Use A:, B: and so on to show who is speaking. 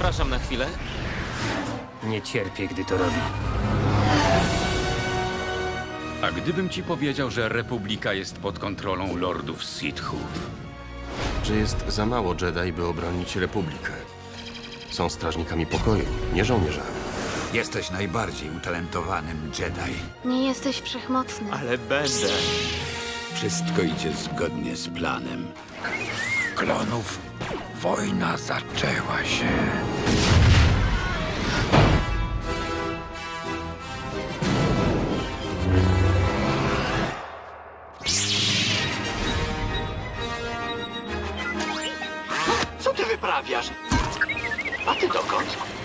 A: Zapraszam na chwilę.
B: Nie cierpię, gdy to robi.
C: A gdybym ci powiedział, że Republika jest pod kontrolą lordów Sithów?
D: Że jest za mało Jedi, by obronić Republikę. Są strażnikami pokoju, nie żołnierzami.
E: Jesteś najbardziej utalentowanym Jedi.
F: Nie jesteś wszechmocny.
A: Ale będę.
E: Wszystko idzie zgodnie z planem. Klonów, wojna zaczęła się.
G: Co ty wyprawiasz? A ty dokąd?